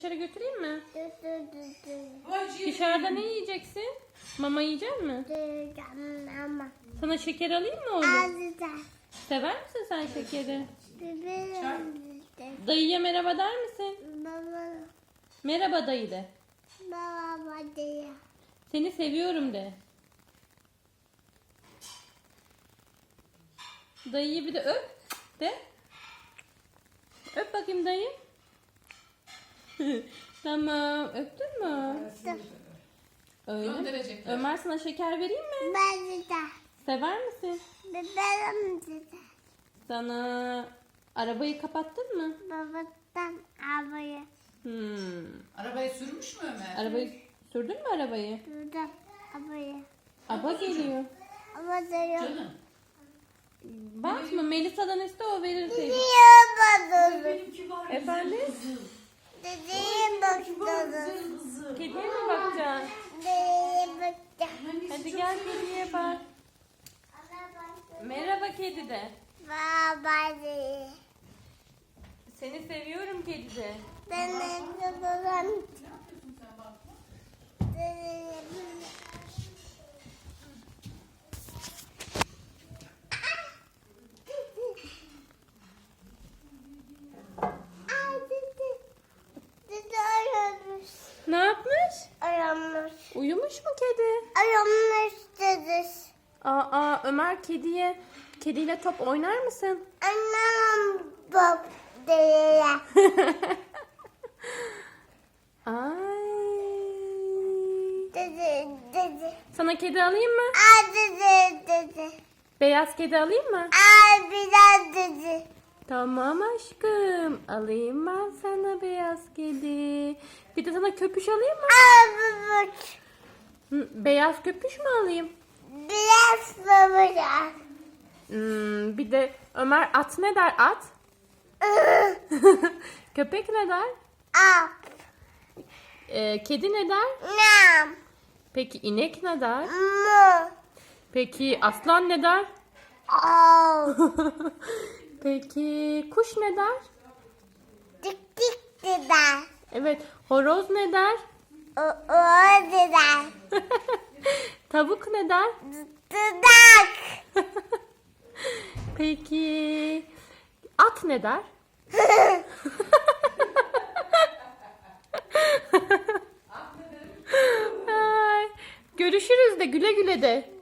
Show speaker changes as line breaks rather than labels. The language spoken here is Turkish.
Dışarı götüreyim mi?
Vay
Dışarıda ne yiyeceksin? Mama yiyecek mi?
Ama.
Sana şeker alayım mı oğlum?
Azıcık.
Sever misin sen şekeri?
Bebeğim.
Dayıya merhaba der misin?
Baba.
Merhaba dayı de.
Baba diye.
Seni seviyorum de. Dayıyı bir de öp de. Öp bakayım dayı. Tamam. Öptün mü? Öyle.
Gönderecekler.
Ömer sana şeker vereyim mi?
Ben de.
Sever misin?
Bebeğim de.
Sana arabayı kapattın mı?
Babadan abayı.
Arabayı sürmüş mü Ömer?
Arabayı sürdün mü arabayı?
Buradan abayı.
Aba geliyor.
Ama diyor.
Canım.
Bakma Melisa'dan iste o verir seni.
Diyor bana.
Benimki var.
Efendim?
Dediğim baktım.
Kediye mi bakacaksın?
Dediğim baktım.
Hadi gel kediye bak. Merhaba kedi de.
Baba diye.
Seni seviyorum kedi de.
Ben de babam.
Ne yapmış?
Aramış.
Uyumuş mu kedi?
Aramış dedi.
Aa Ömer kediyle top oynar mısın?
Annem bab diye.
Ay.
Dedi.
Sana kedi alayım mı?
Dedi.
Beyaz kedi alayım mı?
Biraz dedi.
Tamam aşkım. Alayım ben sana beyaz kedi. Bir de sana köpüş alayım mı?
Babacık.
Beyaz köpüş mü alayım?
Biraz babacık.
Bir de Ömer at ne der at? Köpek ne der?
Up.
Kedi ne der?
Nam.
Peki inek ne der?
Mu.
Peki aslan ne der?
Oh.
Peki kuş ne der?
Dik dik dedi.
Evet horoz ne der?
O dedi.
Tavuk ne der?
Dudak.
Peki at ne der? Ay, görüşürüz de güle güle de.